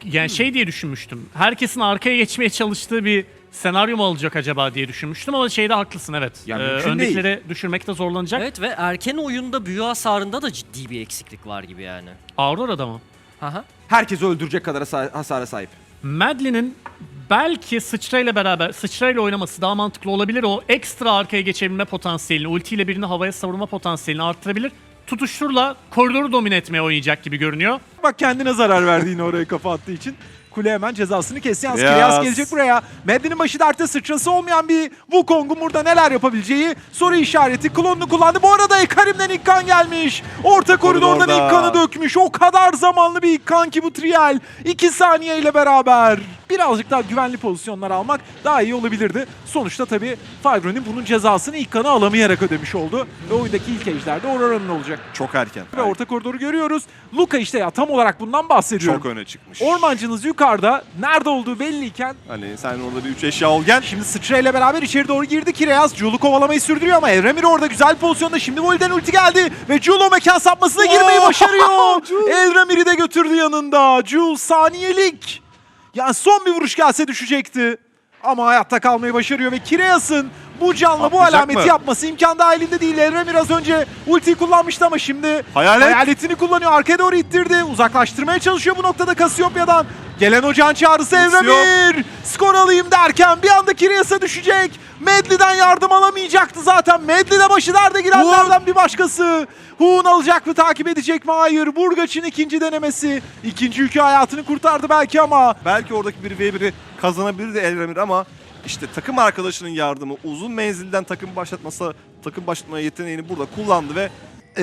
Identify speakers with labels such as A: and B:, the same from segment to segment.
A: Yani şey diye düşünmüştüm. Herkesin arkaya geçmeye çalıştığı bir senaryo mu olacak acaba diye düşünmüştüm ama şeyde haklısın, evet.
B: Yani mümkün
A: öndekileri düşürmekte zorlanacak.
C: Evet ve erken oyunda büyü hasarında da ciddi bir eksiklik var gibi yani.
A: Aurora'da mı?
C: Aha.
B: Herkesi öldürecek kadar hasara sahip.
A: Madeline'in belki sıçrayla oynaması daha mantıklı olabilir. O ekstra arkaya geçebilme potansiyelini, ultiyle birini havaya savurma potansiyelini arttırabilir. Tutuşturla koridoru domine etmeye oynayacak gibi görünüyor.
B: Bak kendine zarar verdi yine oraya kafa attığı için. Kule hemen cezasını kesti. Yalnız
D: Kireas.
B: Kireas gelecek buraya. Madden'in başı dertte, sıçrası olmayan bir Wukong'un burada neler yapabileceği soru işareti. Klonunu kullandı. Bu arada Ekarim'den ilk kan gelmiş. Orta koridordan
D: Koridorda.
B: ilk kanı dökmüş. O kadar zamanlı bir ilk kan ki bu Trial. 2 saniyeyle beraber. Birazcık daha güvenli pozisyonlar almak daha iyi olabilirdi. Sonuçta tabii Fibron'in bunun cezasını ilk kanı alamayarak ödemiş oldu. Ve oyundaki ilk ejderde Aurora'nın olacak.
D: Çok erken.
B: Ve orta koridoru görüyoruz. Luka işte ya tam olarak bundan bahsediyorum.
D: Çok öne çıkmış.
B: Ormancınız yukarıda. Nerede olduğu belliyken
D: Hani sen orada bir 3 eşya ol gel.
B: şimdi sıçrayla beraber içeri doğru girdi Kireas. Julu kovalamayı sürdürüyor ama Evremir orada güzel pozisyonda. Şimdi Voli'den ulti geldi ve Jul o mekan sapmasına girmeyi başarıyor. Evremir'i de götürdü yanında. Jul saniyelik. Yani son bir vuruş gelse düşecekti. Ama hayatta kalmayı başarıyor ve Kireas'ın bu canla bu
D: Atlayacak
B: alameti
D: mı?
B: yapması imkan dahilinde değil. Evremir az önce ultiyi kullanmıştı ama şimdi
D: Hayalet.
B: hayaletini kullanıyor. Arkaya doğru ittirdi. Uzaklaştırmaya çalışıyor bu noktada Kasiopya'dan. Gelen o can çağrısı Evremir. Skor alayım derken bir anda Kireas'a düşecek. Medli'den yardım alamayacaktı zaten. Medli de başı derde girenlerden bir başkası. Huun alacak mı, takip edecek mi? Hayır. Burgaç'ın ikinci denemesi. İkinci yükü hayatını kurtardı belki ama
D: Belki oradaki 1v1'i kazanabilirdi Elremir ama işte takım arkadaşının yardımı, uzun menzilden takım başlatmaya yeteneğini burada kullandı ve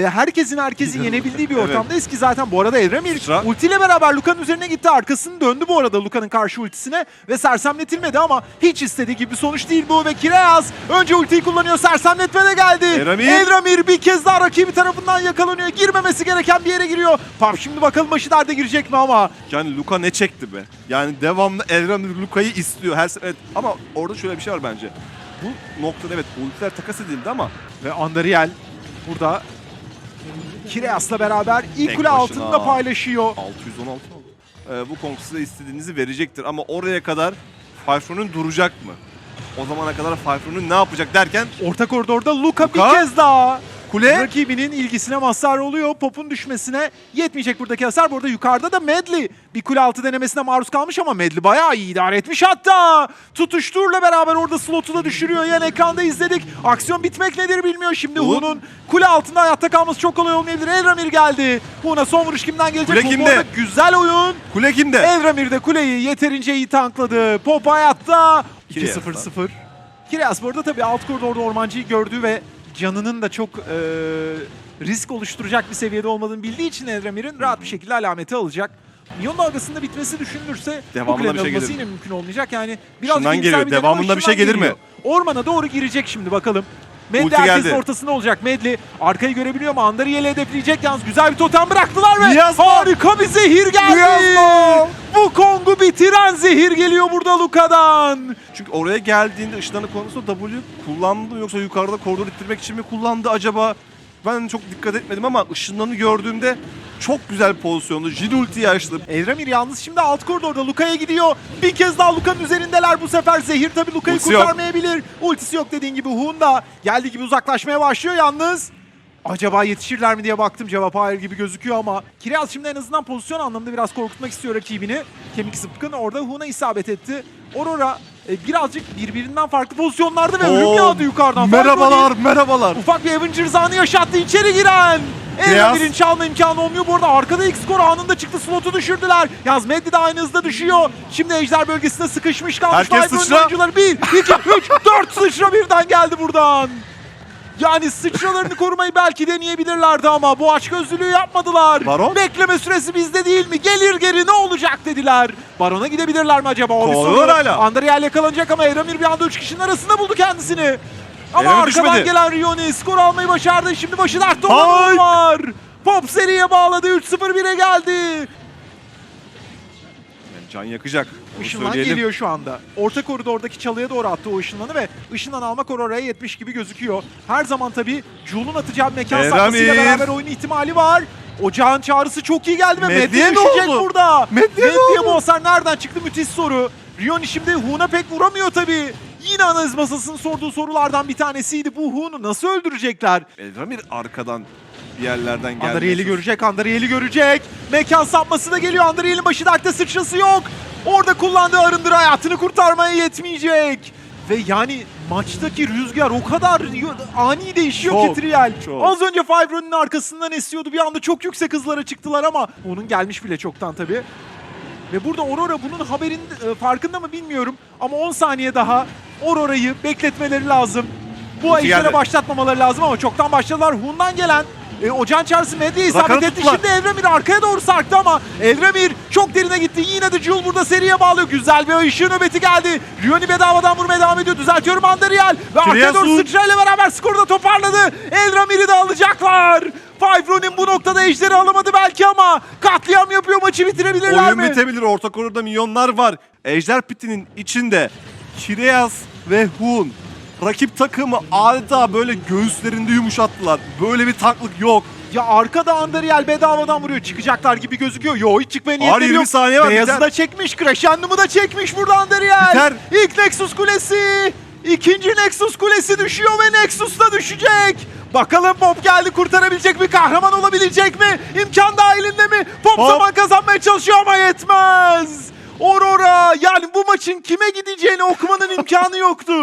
B: herkesin yenebildiği bir
D: Evet.
B: ortamdayız ki zaten bu arada Evremir
D: Sıra.
B: ultiyle beraber Luka'nın üzerine gitti. Arkasını döndü bu arada Luka'nın karşı ultisine ve sersemletilmedi ama hiç istediği gibi bir sonuç değil bu ve Kireas önce ultiyi kullanıyor. Sersemletme de geldi. Evremir bir kez daha rakibi tarafından yakalanıyor. Girmemesi gereken bir yere giriyor. Pap şimdi bakalım başı derde girecek mi ama.
D: yani Luka ne çekti be? Yani devamlı Elremir Luka'yı istiyor her sefer. Evet. Ama orada şöyle bir şey var bence. Bu noktada evet ultiler takas edildi ama
B: Ve Andariel burada Kireas'la beraber ilk
D: Tek
B: kule
D: başına.
B: altında paylaşıyor.
D: 616 oldu. Bu Kong size istediğinizi verecektir ama oraya kadar Fifron'un duracak mı? O zamana kadar Fifron'un ne yapacak derken
B: Orta koridorda Luka bir
D: Luka.
B: kez daha
D: kule
B: rakibinin ilgisine mazhar oluyor. Pop'un düşmesine yetmeyecek buradaki hasar. Bu arada yukarıda da Medli bir kule altı denemesine maruz kalmış ama Medli bayağı iyi idare etmiş hatta. Tutuşturla beraber orada slotu da düşürüyor. Yan ekranda izledik. Aksiyon bitmek nedir bilmiyor. Şimdi
D: Huun.
B: Huun'un kule altında hayatta kalması çok kolay olmayabilir. Elramir geldi. Huun'a son vuruş kimden gelecek?
D: Kule
B: Bu
D: kimde?
B: arada güzel oyun.
D: kule kimde?
B: Elramir de kuleyi yeterince iyi tankladı. Pop hayatta.
D: Kireas'tan.
B: 2-0-0. Kireas bu arada tabii alt koridorda ormancıyı gördü ve canının da çok risk oluşturacak bir seviyede olmadığını bildiği için Elramir'in rahat bir şekilde alameti alacak. Milyon dalgasında bitmesi düşünülürse bu
D: Devamında
B: kulenin
D: bir şey
B: alınması
D: gelir
B: yine mümkün olmayacak. Yani biraz
D: Şundan
B: iyimser
D: geliyor.
B: bir deneme
D: Devamında
B: ama
D: bir şey
B: şundan
D: gelir mi?
B: geliyor. Ormana doğru girecek şimdi bakalım. Medli
D: Ulti
B: herkesin
D: geldi.
B: ortasında olacak. Medli arkayı görebiliyor mu? Andariel'i hedefleyecek yalnız. Güzel bir totem bıraktılar ve
D: Miasma.
B: harika bir zehir geldi.
D: Miasma.
B: Bu Kong'u bitiren zehir geliyor burada Luka'dan.
D: Çünkü oraya geldiğinde ışınlanı konusunda W kullandı mı yoksa yukarıda koridor ittirmek için mi kullandı acaba? Ben çok dikkat etmedim ama ışınlanı gördüğümde çok güzel pozisyonda. Jin ultiyi açtı.
B: Evramir yalnız şimdi alt koridorda Luka'ya gidiyor. Bir kez daha Luka'nın üzerindeler bu sefer. Zehir tabii Luka'yı
D: Ultisi yok.
B: kurtarmayabilir. Ultisi yok dediğin gibi. Hun da geldiği gibi uzaklaşmaya başlıyor yalnız. Acaba yetişirler mi diye baktım. Cevap hayır gibi gözüküyor ama Kireas şimdi en azından pozisyon anlamında biraz korkutmak istiyor rakibini. Kemik zıpkın orada Hun'a isabet etti. Aurora birazcık birbirinden farklı pozisyonlarda ve ölüm yağdı yukarıdan.
D: Merhabalar, merhabalar.
B: Ufak bir Avengers anı yaşattı içeri giren. Evremir'in çalma imkanı olmuyor. Bu arada arkada ilk skor anında çıktı. Slotu düşürdüler. Yaz Medli de aynı hızda düşüyor. Şimdi ejder bölgesinde sıkışmış kalmış.
D: Herkes
B: Viper'ın
D: sıçra.
B: oyuncuları 1, 2, 3, 4 sıçra birden geldi buradan. Yani sıçralarını korumayı belki deneyebilirlerdi ama bu açgözlülüğü yapmadılar.
D: Baron?
B: Bekleme süresi bizde değil mi? Gelir geri ne olacak dediler. Baron'a gidebilirler mi acaba? O bir
D: Kovalıyorlar
B: soru.
D: hala.
B: Andariel yakalanacak ama Evramir bir anda 3 kişinin arasında buldu kendisini. Ama
D: Evramir
B: arkadan
D: düşmedi.
B: gelen Rioni skor almayı başardı. Şimdi başı dertte
D: Hayt!
B: olan var. Pop seriye bağladı. 3-0-1'e geldi.
D: Yani can yakacak. Onu
B: Işınlan
D: söyleyelim.
B: geliyor şu anda. Orta koridordaki çalıya doğru attı o ışınlanı ve ışınlan almak oraya yetmiş gibi gözüküyor. Her zaman tabii Jul'un atacağı bir mekan
D: Eramir.
B: saklasıyla beraber oyun ihtimali var. Ocağın çağrısı çok iyi geldi ve
D: Medli'ye
B: Medli
D: ne
B: düşecek
D: oldu?
B: burada.
D: Medli'ye ne
B: Medli'ye
D: oldu?
B: bu hasar nereden çıktı? Müthiş soru. Rioni şimdi Hun'a pek vuramıyor tabii. Yine analiz masasının sorduğu sorulardan bir tanesiydi. Bu Hun'u nasıl öldürecekler?
D: Elramir arkadan bir yerlerden geldi.
B: Andariel'i görecek, Andariel'i görecek. Mekan sapması da geliyor. Andariel'in başı dertte, sıçrası yok. Orada kullandığı arındır hayatını kurtarmaya yetmeyecek. Ve yani maçtaki rüzgar o kadar ani değişiyor
D: Çok,
B: ki Trial.
D: çok.
B: Az önce Fibro'nun arkasından esiyordu. Bir anda çok yüksek hızlara çıktılar ama onun gelmiş bile çoktan tabii. Ve burada Aurora bunun haberin farkında mı bilmiyorum. Ama 10 saniye daha Aurora'yı bekletmeleri lazım. Bu
D: Ulti
B: ejdere
D: geldi.
B: başlatmamaları lazım ama çoktan başladılar. Hun'dan gelen Ocağın çağrısı Medli'ye isabet
D: Rakan'ı
B: etti.
D: tuttular.
B: Şimdi Eldramir arkaya doğru sarktı ama Eldramir çok derine gitti. Yine de Jul burada seriye bağlıyor. Güzel bir ışığı nöbeti geldi. Rioni bedavadan vurmaya devam ediyor. Düzeltiyorum Andariel. Ve arkaya doğru
D: Triasun.
B: sıçrayla beraber skoru da toparladı. Eldramir'i de alacaklar. Five Ronin bu noktada ejderi alamadı belki ama katliam yapıyor, maçı bitirebilirler
D: Oyun
B: mi?
D: bitebilir. Orta koridorda milyonlar var. Ejder Piti'nin içinde Kireas ve Hun rakip takımı adeta böyle göğüslerinde yumuşattılar. Böyle bir tanklık yok.
B: Ya arkada Andariel bedavadan vuruyor. Çıkacaklar gibi gözüküyor. Yo, hiç çıkmaya niyetleri
D: 20
B: yok.
D: saniye var,
B: Beyazı
D: biter.
B: da çekmiş. Crescendo'mu da çekmiş burada Andariel.
D: Biter.
B: İlk Nexus Kulesi. İkinci Nexus Kulesi düşüyor ve Nexus da düşecek. Bakalım Pop geldi, kurtarabilecek mi? Kahraman olabilecek mi? İmkan dahilinde mi? Pop
D: Pop.
B: zaman kazanmaya çalışıyor ama yetmez. Aurora, yani bu maçın kime gideceğini okumanın imkanı yoktu.